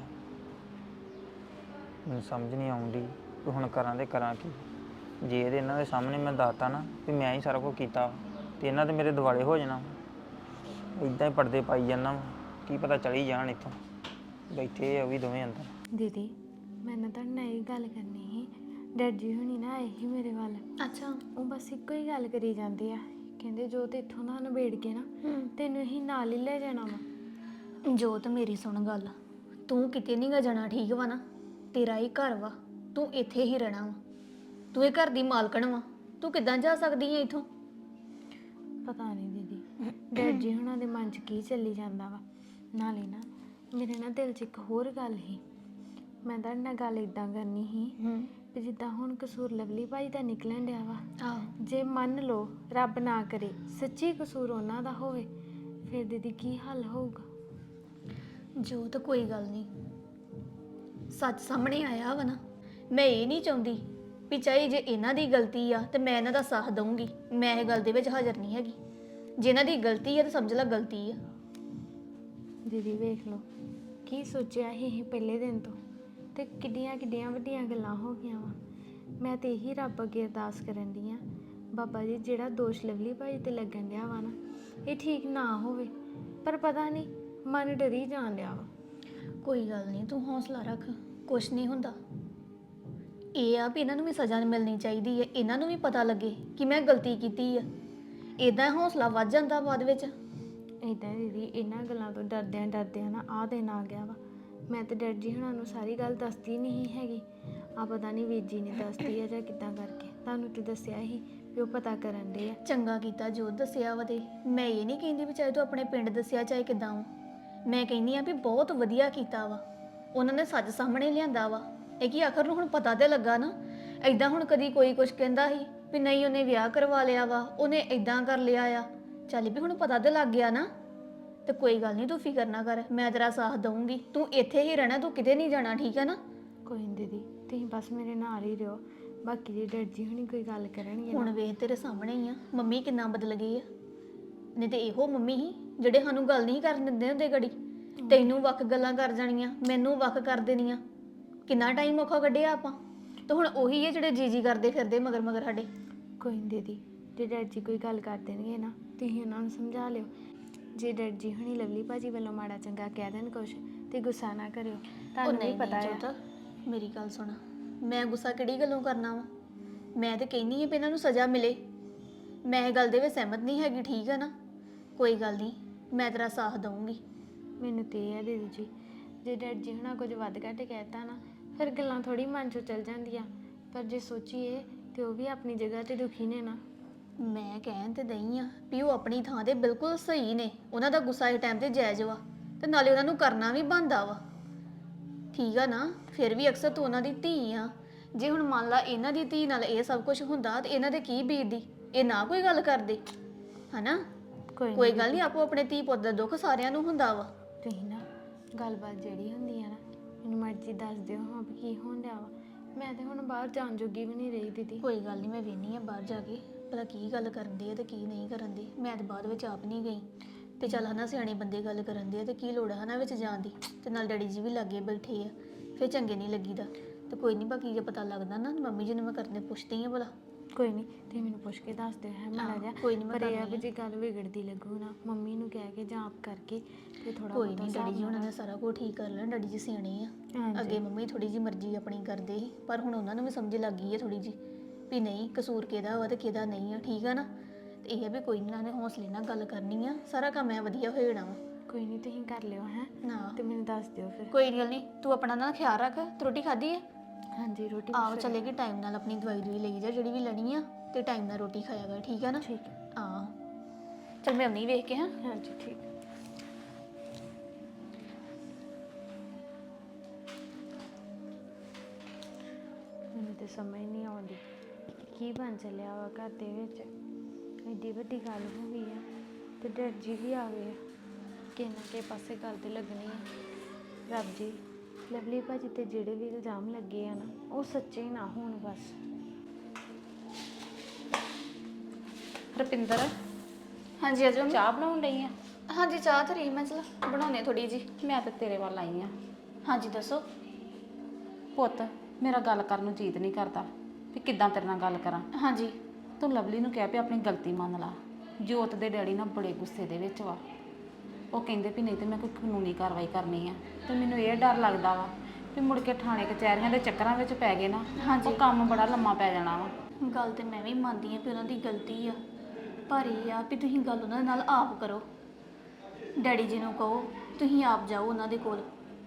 Speaker 5: ਮੈਨੂੰ ਸਮਝ ਨਹੀਂ ਆਉਂਦੀ ਕਿ ਹੁਣ ਕਰਾਂ ਤੇ ਕਰਾਂ ਕੀ। ਜੇ ਇਹਦੇ ਇਹਨਾਂ ਦੇ ਸਾਹਮਣੇ ਮੈਂ ਦੱਸਤਾ ਨਾ ਵੀ ਮੈਂ ਹੀ ਸਾਰਾ ਕੁਝ ਕੀਤਾ ਤੇ ਇਹਨਾਂ ਤੇ ਮੇਰੇ ਦਿਵਾਲੇ ਹੋ ਜਾਣਾ। ਇਦਾਂ ਹੀ ਪਰਦੇ ਪਾਈ ਜਾਂਦਾ ਵਾ, ਕੀ ਪਤਾ ਚਲੀ ਜਾਣ ਇੱਥੋਂ। ਬੈਠੇ ਆ ਉਹ ਵੀ ਦੋਵੇਂ ਅੰਦਰ।
Speaker 7: ਦੀਦੀ ਮੈਂ ਨਾ ਤੁਹਾਡੇ ਨਾਲ ਇਹ ਗੱਲ ਕਰਨੀ ਸੀ, ਡੈਡ ਜੀ ਹੁਣੀ ਨਾ ਆਏ ਸੀ ਮੇਰੇ ਵੱਲ। ਅੱਛਾ। ਉਹ ਬਸ ਇੱਕੋ ਹੀ ਗੱਲ ਕਰੀ ਜਾਂਦੇ ਆ, ਕਹਿੰਦੇ ਜੋ ਤੇ ਇੱਥੋਂ ਨਾ ਨਿਬੇੜ ਕੇ ਨਾ ਤੈਨੂੰ ਹੀ ਨਾਲ ਹੀ ਲੈ ਜਾਣਾ ਵਾ।
Speaker 8: ਜੋਤ ਮੇਰੀ ਸੁਣ ਗੱਲ, ਤੂੰ ਕਿਤੇ ਨਹੀਂ ਗਾ ਜਾਣਾ, ਠੀਕ ਵਾ ਨਾ? ਤੇਰਾ ਹੀ ਘਰ ਵਾ, ਤੂੰ ਇੱਥੇ ਹੀ ਰਹਿਣਾ ਵਾ, ਤੂੰ ਇਹ ਘਰ ਦੀ ਮਾਲਕਣ ਵਾ, ਤੂੰ ਕਿੱਦਾਂ ਜਾ ਸਕਦੀ ਹੈ ਇੱਥੋਂ?
Speaker 7: ਪਤਾ ਨਹੀਂ ਦੀਦੀ ਡੈਡ ਜੀ ਹੁਣਾਂ ਦੇ ਮਨ 'ਚ ਕੀ ਚੱਲੀ ਜਾਂਦਾ ਵਾ। ਨਾਲੇ ਨਾ ਮੇਰੇ ਨਾ ਦਿਲ 'ਚ ਇੱਕ ਹੋਰ ਗੱਲ ਸੀ, ਮੈਂ ਤੁਹਾਡੇ ਨਾਲ ਗੱਲ ਇਦਾਂ ਕਰਨੀ ਸੀ ਵੀ ਜਿੱਦਾਂ ਹੁਣ ਕਸੂਰ ਲਵਲੀ ਭਾਈ ਦਾ ਨਿਕਲਣ ਡਿਆ ਵਾ, ਜੇ ਮੰਨ ਲਓ ਰੱਬ ਨਾ ਕਰੇ ਸੱਚੀ ਕਸੂਰ ਉਹਨਾਂ ਦਾ ਹੋਵੇ, ਫਿਰ ਦੀਦੀ ਕੀ ਹੱਲ ਹੋਊਗਾ?
Speaker 8: ਜੋਤ ਕੋਈ ਗੱਲ ਨਹੀਂ, ਸੱਚ ਸਾਹਮਣੇ ਆਇਆ ਵਾ ਨਾ। ਮੈਂ ਇਹ ਨਹੀਂ ਚਾਹੁੰਦੀ ਵੀ ਚਾਹੇ ਜੇ ਇਹਨਾਂ ਦੀ ਗਲਤੀ ਆ ਤੇ ਮੈਂ ਇਹਨਾਂ ਦਾ ਸਾਥ ਦਊਂਗੀ, ਮੈਂ ਇਹ ਗੱਲ ਦੇ ਵਿੱਚ ਹਾਜ਼ਰ ਨਹੀਂ ਹੈਗੀ। ਜੇ ਇਹਨਾਂ ਦੀ ਗਲਤੀ ਆ ਤਾਂ ਸਮਝ ਲੈ ਗਲਤੀ ਆ।
Speaker 7: ਦੀਦੀ ਵੇਖ ਲਓ ਕੀ ਸੋਚਿਆ ਸੀ ਇਹ ਪਹਿਲੇ ਦਿਨ ਤੋਂ, ਤੇ ਕਿੱਡੀਆਂ ਕਿੱਡੀਆਂ ਵੱਡੀਆਂ ਗੱਲਾਂ ਹੋ ਗਈਆਂ ਵਾ। ਮੈਂ ਤੇ ਇਹੀ ਰੱਬ ਅੱਗੇ ਅਰਦਾਸ ਕਰਨ ਦੀ ਆ, ਬਾਬਾ ਜੀ ਜਿਹੜਾ ਦੋਸ਼ ਲਵਲੀ ਭਾਈ ਤੇ ਲੱਗਣ ਡਿਆ ਵਾ ਨਾ, ਇਹ ਠੀਕ ਨਾ ਹੋਵੇ, ਪਰ ਪਤਾ ਨਹੀਂ ਮਨ ਡਰੀ ਜਾਣ ਡਿਆ ਵਾ।
Speaker 8: ਕੋਈ ਗੱਲ ਨਹੀਂ, ਤੂੰ ਹੌਸਲਾ ਰੱਖ, ਕੁਛ ਨਹੀਂ ਹੁੰਦਾ। ਇਹ ਆ ਵੀ ਇਹਨਾਂ ਨੂੰ ਵੀ ਸਜ਼ਾ ਮਿਲਣੀ ਚਾਹੀਦੀ ਹੈ, ਇਹਨਾਂ ਨੂੰ ਵੀ ਪਤਾ ਲੱਗੇ ਕਿ ਮੈਂ ਗਲਤੀ ਕੀਤੀ ਆ। ਇਦਾਂ ਹੌਸਲਾ ਵੱਧ ਜਾਂਦਾ ਬਾਅਦ ਵਿੱਚ।
Speaker 7: ਇੱਦਾਂ ਦੀਦੀ ਇਹਨਾਂ ਗੱਲਾਂ ਤੋਂ ਡਰਦਿਆਂ ਨਾ ਆਹ ਦਿਨ ਆ ਗਿਆ ਵਾ। ਮੈਂ ਤੇ ਡੈਡ ਜੀ ਹੁਣਾਂ ਨੂੰ ਸਾਰੀ ਗੱਲ ਦੱਸਦੀ ਨਹੀਂ ਹੈਗੀ, ਆ ਪਤਾ ਨਹੀਂ ਵੀਰ ਜੀ ਨੇ ਦੱਸਦੀ ਆ ਜਾਂ ਕਿੱਦਾਂ ਕਰਕੇ। ਤੁਹਾਨੂੰ ਤੇ ਦੱਸਿਆ ਹੀ ਵੀ ਉਹ ਪਤਾ ਕਰਨ ਦੇ ਆ।
Speaker 8: ਚੰਗਾ ਕੀਤਾ ਜੋ ਦੱਸਿਆ ਵਾ, ਤੇ ਮੈਂ ਇਹ ਨਹੀਂ ਕਹਿੰਦੀ ਵੀ ਚਾਹੇ ਤੂੰ ਆਪਣੇ ਪਿੰਡ ਦੱਸਿਆ ਚਾਹੇ ਕਿੱਦਾਂ ਵਾ, ਮੈਂ ਕਹਿੰਦੀ ਆ ਵੀ ਬਹੁਤ ਵਧੀਆ ਕੀਤਾ ਵਾ, ਉਹਨਾਂ ਨੇ ਸੱਚ ਸਾਹਮਣੇ ਲਿਆਂਦਾ ਵਾ। ਇਹ ਕੀ ਆਖਰ ਨੂੰ ਹੁਣ ਪਤਾ ਤੇ ਲੱਗਾ ਨਾ। ਐਦਾਂ ਹੁਣ ਕਦੀ ਕੋਈ ਕੁਝ ਕਹਿੰਦਾ ਸੀ ਵੀ ਨਹੀਂ ਉਹਨੇ ਵਿਆਹ ਕਰਵਾ ਲਿਆ ਵਾ, ਉਹਨੇ ਐਦਾਂ ਕਰ ਲਿਆ ਆ, ਚੱਲ ਵੀ ਹੁਣ ਪਤਾ ਤੇ ਲੱਗ ਗਿਆ ਨਾ। ਤੇ ਕੋਈ ਗੱਲ ਨਹੀਂ, ਤੂੰ ਫਿਕਰ ਨਾ ਕਰ, ਮੈਂ ਤੇਰਾ ਸਾਥ ਦਊਂਗੀ, ਤੂੰ ਇੱਥੇ ਹੀ ਰਹਿਣਾ, ਤੂੰ ਕਿਤੇ ਨਹੀਂ ਜਾਣਾ, ਠੀਕ ਹੈ ਨਾ?
Speaker 7: ਕੋਈ ਨਹੀਂ ਦੀਦੀ, ਤੁਸੀਂ ਬਸ ਮੇਰੇ ਨਾਲ ਹੀ ਰਹੋ, ਬਾਕੀ ਦੀ ਡੈਡ ਜੀ ਹੁਣੀ ਕੋਈ ਗੱਲ ਕਰਨਗੇ
Speaker 8: ਹੁਣ ਵੇਖ ਤੇਰੇ ਸਾਹਮਣੇ ਹੀ ਆ ਮੰਮੀ ਕਿੰਨਾ ਬਦਲ ਗਈ ਆ। ਨਹੀਂ ਤੇ ਇਹੋ ਮੰਮੀ ਹੀ ਜਿਹੜੇ ਸਾਨੂੰ ਗੱਲ ਨਹੀਂ ਕਰਨ ਦਿੰਦੇ ਹੁੰਦੇ ਗੜੀ, ਤੈਨੂੰ ਵੱਖ ਗੱਲਾਂ ਕਰ ਜਾਣੀਆਂ, ਮੈਨੂੰ ਵੱਖ ਕਰ ਦੇਣੀਆਂ। ਕਿੰਨਾ ਟਾਈਮ ਔਖਾ ਕੱਢਿਆ ਆਪਾਂ, ਤੇ ਹੁਣ ਉਹੀ ਹੈ ਜਿਹੜੇ ਜੀ ਕਰਦੇ ਫਿਰਦੇ ਮਗਰ ਮਗਰ ਸਾਡੇ।
Speaker 7: ਕੋਈ ਨਹੀਂ ਦੀਦੀ, ਜੇ ਡੈਡ ਜੀ ਕੋਈ ਗੱਲ ਕਰ ਦੇਣਗੇ ਨਾ ਤੁਸੀਂ ਉਹਨਾਂ ਨੂੰ ਸਮਝਾ ਲਿਓ। ਜੇ ਡੈਡ ਜੀ ਹੁਣੀ ਲਵਲੀ ਭਾਜੀ ਵੱਲੋਂ ਮਾੜਾ ਚੰਗਾ ਕਹਿ ਦੇਣ ਕੁਛ ਤੇ ਗੁੱਸਾ ਨਾ ਕਰਿਓ, ਤੁਹਾਨੂੰ ਵੀ ਪਤਾ ਹੈ।
Speaker 8: ਮੇਰੀ ਗੱਲ ਸੁਣ, ਮੈਂ ਗੁੱਸਾ ਕਿਹੜੀ ਗੱਲੋਂ ਕਰਨਾ ਵਾ? ਮੈਂ ਤੇ ਕਹਿੰਦੀ ਹਾਂ ਵੀ ਇਹਨਾਂ ਨੂੰ ਸਜ਼ਾ ਮਿਲੇ, ਮੈਂ ਇਹ ਗੱਲ ਦੇ ਵਿੱਚ ਸਹਿਮਤ ਨਹੀਂ ਹੈਗੀ, ਠੀਕ ਹੈ ਨਾ? ਕੋਈ ਗੱਲ ਨਹੀਂ, ਮੈਂ ਤੇਰਾ ਸਾਥ ਦਊਂਗੀ।
Speaker 7: ਮੈਨੂੰ ਤੇ ਇਹ ਆ ਦੀਦੀ ਜੀ, ਜੇ ਡੈਡ ਜੀ ਹੁਣਾਂ ਕੁਝ ਵੱਧ ਘੱਟ ਕਹਿਤਾ ਨਾ ਫਿਰ ਗੱਲਾਂ ਥੋੜੀ ਮਨ ਚੋਂ ਚਲ ਜਾਂਦੀਆਂ, ਪਰ ਜੇ ਸੋਚੀਏ ਤੇ ਉਹ ਵੀ ਆਪਣੀ ਜਗ੍ਹਾ ਤੇ ਦੁਖੀ ਨੇ ਨਾ।
Speaker 8: ਮੈਂ ਕਹਿਣ ਤੇ ਦਈ ਆ ਵੀ ਉਹ ਆਪਣੀ ਥਾਂ ਤੇ ਬਿਲਕੁਲ ਸਹੀ ਨੇ, ਉਹਨਾਂ ਦਾ ਗੁੱਸਾ ਇਸ ਟਾਈਮ ਤੇ ਜਾਇਜ਼ ਵਾ, ਤੇ ਨਾਲੇ ਉਹਨਾਂ ਨੂੰ ਕਰਨਾ ਵੀ ਬਣਦਾ ਵਾ, ਠੀਕ ਆ ਨਾ? ਫਿਰ ਵੀ ਅਕਸਰ ਤੂੰ ਉਹਨਾਂ ਦੀ ਧੀ ਆ, ਜੇ ਹੁਣ ਮੰਨ ਲਾ ਇਹਨਾਂ ਦੀ ਧੀ ਨਾਲ ਇਹ ਸਭ ਕੁਝ ਹੁੰਦਾ ਤੇ ਇਹਨਾਂ ਦੇ ਕੀ ਬੀਤਦੀ, ਇਹ ਨਾ ਕੋਈ ਗੱਲ ਕਰਦੇ, ਹਨਾ? ਕੋਈ ਗੱਲ ਨਹੀਂ, ਆਪੋ ਆਪਣੇ ਧੀ ਪੁੱਤ ਦਾ ਦੁੱਖ ਸਾਰਿਆਂ ਨੂੰ ਹੁੰਦਾ ਵਾ।
Speaker 7: ਤੁਸੀਂ ਨਾ ਗੱਲਬਾਤ ਜਿਹੜੀ ਹੁੰਦੀ ਆ ਨਾ ਮੈਨੂੰ ਮਰਜ਼ੀ ਦੱਸ ਦਿਓ ਹਾਂ ਵੀ ਕੀ ਹੋਣ ਡਿਆ ਵਾ। ਮੈਂ ਤੇ ਹੁਣ ਬਾਹਰ ਜਾਣ ਜੋਗੀ ਵੀ ਨਹੀਂ ਰਹੀ ਦੀਦੀ।
Speaker 8: ਕੋਈ ਗੱਲ ਨਹੀਂ, ਮੈਂ ਵੇਖਨੀ ਆ ਬਾਹਰ ਜਾ ਕੇ ਭਲਾ ਕੀ ਗੱਲ ਕਰਨ ਦੇ ਆ ਤੇ ਕੀ ਨਹੀਂ ਕਰਨ ਦੇ। ਮੈਂ ਤਾਂ ਬਾਅਦ ਵਿੱਚ ਆਪ ਨਹੀਂ ਗਈ, ਤੇ ਚੱਲ ਹਨਾ ਸਿਆਣੇ ਬੰਦੇ ਗੱਲ ਕਰਨ ਦੇ ਆ ਤੇ ਕੀ ਲੋੜ ਹੈ ਹਨਾ ਵਿੱਚ ਜਾਣ ਦੀ, ਤੇ ਨਾਲ ਡੈਡੀ ਜੀ ਵੀ ਲਾਗੇ ਬੈਠੇ ਆ, ਫਿਰ ਚੰਗੇ ਨਹੀਂ ਲੱਗੀਦਾ। ਤੇ ਕੋਈ ਨਹੀਂ, ਬਾਕੀ ਜੇ ਪਤਾ ਲੱਗਦਾ ਨਾ ਮੰਮੀ ਜੀ ਨੂੰ ਮੈਂ ਕਰਨੇ ਪੁੱਛਦੀ ਆ ਭਲਾ
Speaker 7: ਕੋਈ ਨਹੀਂ ਤੇ ਮੈਨੂੰ ਪੁੱਛ ਕੇ ਦੱਸ ਦਿਓ ਹੈ ਮਾੜਾ ਜਿਹਾ।
Speaker 8: ਕੋਈ ਨੀ, ਮੈਂ
Speaker 7: ਪਰ ਇਹ
Speaker 8: ਕਰ
Speaker 7: ਆ ਵੀ
Speaker 8: ਲੈਂਦੀ
Speaker 7: ਜੇ ਗੱਲ ਵਿਗੜਦੀ ਲੱਗੂ ਨਾ ਮੰਮੀ ਨੂੰ ਕਹਿ ਕੇ ਜਾਂ ਆਪ ਕਰਕੇ ਤੇ ਥੋੜਾ
Speaker 8: ਕੋਈ ਨਹੀਂ, ਡੈਡੀ ਜੀ ਉਹਨਾਂ ਨੇ ਸਾਰਾ ਕੁਝ ਠੀਕ ਕਰ ਲੈਣਾ, ਡੈਡੀ ਜੀ ਸਿਆਣੇ ਆ। ਅੱਗੇ ਮੰਮੀ ਥੋੜੀ ਜੀ ਮਰਜ਼ੀ ਆਪਣੀ ਕਰਦੇ ਸੀ, ਪਰ ਹੁਣ ਉਹਨਾਂ ਨੂੰ ਵੀ ਸਮਝ ਲੱਗ ਗਈ ਹੈ ਥੋੜੀ ਜੀ ਵੀ ਨਹੀਂ ਕਸੂਰ ਕਿਹਦਾ ਵਾ ਤੇ ਕਿਹਦਾ ਨਹੀਂ ਆ, ਠੀਕ ਆ ਨਾ। ਤੇ ਇਹ ਆ ਵੀ ਕੋਈ ਨਹੀਂ, ਨੇ ਹੌਸਲੇ ਨਾਲ ਗੱਲ ਕਰਨੀ ਆ, ਸਾਰਾ ਕੰਮ ਐ ਵਧੀਆ ਹੋ ਜਾਣਾ ਵਾ।
Speaker 7: ਕੋਈ ਨਹੀਂ ਤੁਸੀਂ ਕਰ ਲਿਓ ਹੈ
Speaker 8: ਨਾ
Speaker 7: ਤੇ ਮੈਨੂੰ ਦੱਸ ਦਿਓ ਫਿਰ।
Speaker 8: ਕੋਈ ਗੱਲ ਨਹੀਂ, ਤੂੰ ਆਪਣਾ ਨਾ ਖਿਆਲ ਰੱਖ। ਤੂੰ ਰੋਟੀ ਖਾਧੀ ਹੈ?
Speaker 7: ਹਾਂਜੀ ਰੋਟੀ
Speaker 8: ਆਹੋ ਚੱਲੇਗੀ, ਟਾਈਮ ਨਾਲ ਆਪਣੀ ਦਵਾਈ ਦੂਈ ਲਈ ਜਾ ਜਿਹੜੀ ਵੀ ਲੈਣੀ ਆ, ਤੇ ਟਾਈਮ ਨਾਲ ਰੋਟੀ ਖਾਇਆ ਕਰ, ਠੀਕ ਆ ਨਾ?
Speaker 7: ਠੀਕ ਹੈ।
Speaker 8: ਹਾਂ ਚੱਲ ਮੈਂ ਆਉਣੀ ਵੇਖ ਕੇ। ਹਾਂ
Speaker 7: ਹਾਂਜੀ ਠੀਕ। ਮੈਨੂੰ ਤੇ ਸਮਝ ਨਹੀਂ ਆਉਂਦੀ ਕੀ ਬਣ ਚੱਲਿਆ ਵਾ ਘਰ ਦੇ ਵਿੱਚ। ਐਡੀ ਵੱਡੀ ਗੱਲ ਹੋ ਗਈ ਆ ਤੇ ਡੈਡ ਜੀ ਵੀ ਆ ਗਏ ਆ। ਕਿਸੇ ਨਾ ਕਿਸੇ ਪਾਸੇ ਗੱਲ ਤੇ ਲੱਗਣੀ ਆ। ਰੱਬ ਜੀ ਲਵਲੀ ਭਾਜੀ ਤੇ ਜਿਹੜੇ ਵੀ ਇਲਜ਼ਾਮ ਲੱਗੇ ਆ ਨਾ ਉਹ ਸੱਚੇ ਨਾ ਹੋਣ ਬਸ।
Speaker 6: ਰੁਪਿੰਦਰ
Speaker 8: ਹਾਂਜੀ ਅਜੋ
Speaker 6: ਚਾਹ ਬਣਾਉਣ ਲਈ ਆ?
Speaker 8: ਹਾਂਜੀ ਚਾਹ ਤੇ ਰਹੀ ਮੈਂ, ਚਲ ਬਣਾਉਣੇ ਥੋੜੀ ਜੀ।
Speaker 6: ਮੈਂ ਤਾਂ ਤੇਰੇ ਵੱਲ ਆਈ ਆ।
Speaker 8: ਹਾਂਜੀ ਦੱਸੋ।
Speaker 6: ਪੁੱਤ ਮੇਰਾ ਗੱਲ ਕਰਨ ਨੂੰ ਜੀਤ ਨਹੀਂ ਕਰਦਾ ਵੀ ਕਿੱਦਾਂ ਤੇਰੇ ਨਾਲ ਗੱਲ ਕਰਾਂ।
Speaker 8: ਹਾਂਜੀ
Speaker 6: ਤੂੰ ਲਵਲੀ ਨੂੰ ਕਹਿ ਵੀ ਆਪਣੀ ਗਲਤੀ ਮੰਨ ਲਾ। ਜੋਤ ਦੇ ਡੈਡੀ ਨਾਲ ਬੜੇ ਗੁੱਸੇ ਦੇ ਵਿੱਚ ਵਾ। ਉਹ ਕਹਿੰਦੇ ਵੀ ਨਹੀਂ ਤੇ ਮੈਂ ਕੋਈ ਕਾਨੂੰਨੀ ਕਾਰਵਾਈ ਕਰਨੀ ਆ। ਤੇ ਮੈਨੂੰ ਇਹ ਡਰ ਲੱਗਦਾ ਵਾ ਵੀ ਮੁੜ ਕੇ ਥਾਣੇ ਕਚਹਿਰੀਆਂ ਦੇ ਚੱਕਰਾਂ ਵਿੱਚ ਪੈ ਗਏ ਨਾ, ਉਹ ਕੰਮ ਬੜਾ ਲੰਮਾ ਪੈ ਜਾਣਾ ਵਾ।
Speaker 8: ਗੱਲ ਤੇ ਮੈਂ ਵੀ ਮੰਨਦੀ ਆ ਵੀ ਉਹਨਾਂ ਦੀ ਗਲਤੀ ਆ, ਪਰ ਇਹ ਆ ਵੀ ਤੁਸੀਂ ਗੱਲ ਉਹਨਾਂ ਦੇ ਨਾਲ ਆਪ ਕਰੋ। ਡੈਡੀ ਜੀ ਨੂੰ ਕਹੋ ਤੁਸੀਂ ਆਪ ਜਾਓ ਉਹਨਾਂ ਦੇ ਕੋਲ।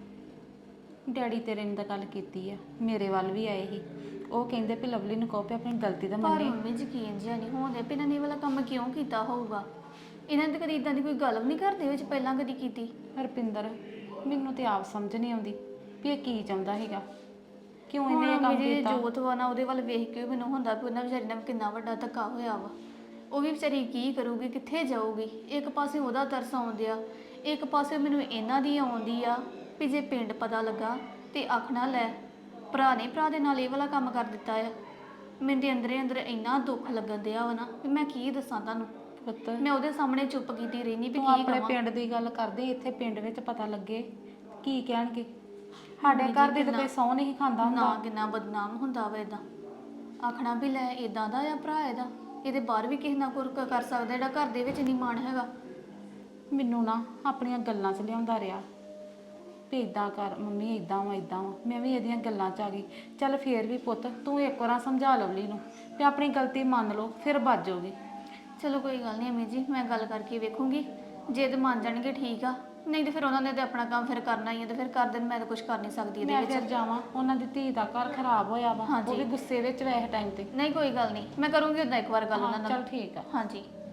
Speaker 6: ਡੈਡੀ ਤੇਰੇ ਨੇ ਤਾਂ ਗੱਲ ਕੀਤੀ ਆ, ਮੇਰੇ ਵੱਲ ਵੀ ਆਏ ਸੀ। ਉਹ ਕਹਿੰਦੇ ਵੀ ਲਵਲੀ ਨੂੰ ਕਹੋ ਵੀ ਆਪਣੀ ਗਲਤੀ ਦਾ
Speaker 8: ਪਰ
Speaker 6: ਮੰਨੇ।
Speaker 8: ਮੰਮੀ ਯਕੀਨ ਜਿਹਾ ਨਹੀਂ ਹੋਣ ਡਿਆ ਵੀ ਇਹਨਾਂ ਨੇ ਇਹ ਵਾਲਾ ਕੰਮ ਕਿਉਂ ਕੀਤਾ ਹੋਊਗਾ। ਇਹਨਾਂ ਨੇ ਤਾਂ ਕਦੀ ਇਦਾਂ ਦੀ ਕੋਈ ਗੱਲ ਵੀ ਨਹੀਂ ਘਰ ਦੇ ਵਿੱਚ ਪਹਿਲਾਂ ਕਦੀ ਕੀਤੀ।
Speaker 6: ਹਰਪਿੰਦਰ ਮੈਨੂੰ ਤੇ ਆਪ ਸਮਝ ਨਹੀਂ ਆਉਂਦੀ ਵੀ ਇਹ ਕੀ ਚਾਹੁੰਦਾ ਹੈਗਾ, ਕਿਉਂ ਇਹਨੇ ਇਹ ਕੰਮ
Speaker 8: ਮੇਰੇ
Speaker 6: ਕੀਤਾ।
Speaker 8: ਜੋਤ ਵਾ ਨਾ ਉਹਦੇ ਵੱਲ ਵੇਖ ਕੇ ਮੈਨੂੰ ਹੁੰਦਾ ਵੀ ਉਹਨਾਂ ਵਿਚਾਰੀ ਨਾਲ ਕਿੰਨਾ ਵੱਡਾ ਧੱਕਾ ਹੋਇਆ ਵਾ। ਉਹ ਵੀ ਵਿਚਾਰੀ ਕੀ ਕਰੂਗੀ, ਕਿੱਥੇ ਜਾਊਗੀ। ਇੱਕ ਪਾਸੇ ਉਹਦਾ ਤਰਸ ਆਉਂਦਿਆ, ਇੱਕ ਪਾਸੇ ਮੈਨੂੰ ਇਹਨਾਂ ਦੀ ਆਉਂਦੀ ਆ ਵੀ ਜੇ ਪਿੰਡ ਪਤਾ ਲੱਗਾ ਤੇ ਆਖਣਾ ਲੈ ਭਰਾ ਨੇ ਭਰਾ ਦੇ ਨਾਲ ਇਹ ਵਾਲਾ ਕੰਮ ਕਰ ਦਿੱਤਾ ਆ। ਮੈਨੂੰ ਦੇ ਅੰਦਰੇ ਅੰਦਰ ਇੰਨਾ ਦੁੱਖ ਲੱਗਣ ਦਿਆ ਵਾ ਨਾ ਵੀ ਮੈਂ ਕੀ ਦੱਸਾਂ ਤੁਹਾਨੂੰ।
Speaker 6: ਪੁੱਤ
Speaker 8: ਮੈਂ ਉਹਦੇ ਸਾਹਮਣੇ ਚੁੱਪ ਕੀਤੀ ਰਹਿਨੀ ਵੀ
Speaker 6: ਤੂੰ
Speaker 8: ਕੀ
Speaker 6: ਆਪਣੇ
Speaker 8: ਕਰਾਂ।
Speaker 6: ਪਿੰਡ ਦੀ ਗੱਲ ਕਰਦੇ, ਇੱਥੇ ਪਿੰਡ ਵਿੱਚ ਪਤਾ ਲੱਗੇ ਕੀ ਕਹਿਣਗੇ। ਸਾਡੇ ਘਰ ਦੇ ਤਾਂ ਕੋਈ ਸਹੁੰ ਨਹੀਂ ਖਾਂਦਾ ਹੁੰਦਾ।
Speaker 8: ਨਾ ਕਿੰਨਾ ਬਦਨਾਮ ਹੁੰਦਾ ਵਾ ਇਦਾਂ। ਆਖਣਾ ਵੀ ਲੈ ਇਦਾਂ ਦਾ ਆ ਭਰਾ ਇਹਦਾ, ਇਹਦੇ ਬਾਹਰ ਵੀ ਕਿਸੇ ਨਾਲ ਕੁਝ ਕਰ ਸਕਦਾ ਜਿਹੜਾ ਘਰ ਦੇ ਵਿੱਚ ਨਹੀਂ ਮਾਣ ਹੈਗਾ।
Speaker 6: ਮੈਨੂੰ ਨਾ ਆਪਣੀਆਂ ਗੱਲਾਂ 'ਚ ਲਿਆਉਂਦਾ ਰਿਹਾ ਵੀ ਇਦਾਂ ਕਰ ਮੰਮੀ, ਇਦਾਂ ਵਾ ਇਦਾਂ ਵਾ। ਮੈਂ ਵੀ ਇਹਦੀਆਂ ਗੱਲਾਂ 'ਚ ਆ ਗਈ। ਚੱਲ ਫੇਰ ਵੀ ਪੁੱਤ ਤੂੰ ਇੱਕ ਵਾਰ ਸਮਝਾ ਲਵਲੀ ਨੂੰ ਵੀ ਆਪਣੀ ਗਲਤੀ ਮੰਨ ਲਓ, ਫਿਰ ਬਚ ਜਾਓਗੇ।
Speaker 8: ਚਲੋ ਕੋਈ ਗੱਲ ਨਹੀਂ ਅਮੀ ਜੀ, ਮੈਂ ਗੱਲ ਕਰਕੇ ਵੇਖੂੰਗੀ। ਜੇ ਤੇ ਮੰਨ ਜਾਣਗੇ ਠੀਕ ਆ, ਨਹੀਂ ਤੇ ਫਿਰ ਉਹਨਾਂ ਨੇ ਤੇ ਆਪਣਾ ਕੰਮ ਫਿਰ ਕਰਨਾ ਹੀ ਹੈ ਤੇ ਫਿਰ ਕਰ ਦੇਣ। ਮੈਂ ਤਾਂ ਕੁਝ ਕਰ ਨਹੀਂ ਸਕਦੀ ਇਹਦੇ
Speaker 6: ਮੈਂ
Speaker 8: ਵਿੱਚ।
Speaker 6: ਫਿਰ ਜਾਵਾਂ, ਉਹਨਾਂ ਦੀ ਧੀ ਦਾ ਘਰ ਖਰਾਬ ਹੋਇਆ ਵਾ, ਉਹ ਵੀ ਗੁੱਸੇ ਵਿੱਚ ਵੈਸੇ ਟਾਈਮ ਤੇ।
Speaker 8: ਨਹੀਂ ਕੋਈ ਗੱਲ ਨਹੀਂ, ਮੈਂ ਕਰੂੰਗੀ ਉਦਾਂ ਇੱਕ ਵਾਰ ਗੱਲ ਉਹਨਾਂ ਨਾਲ।
Speaker 6: ਚਲ ਠੀਕ ਆ।
Speaker 8: ਹਾਂਜੀ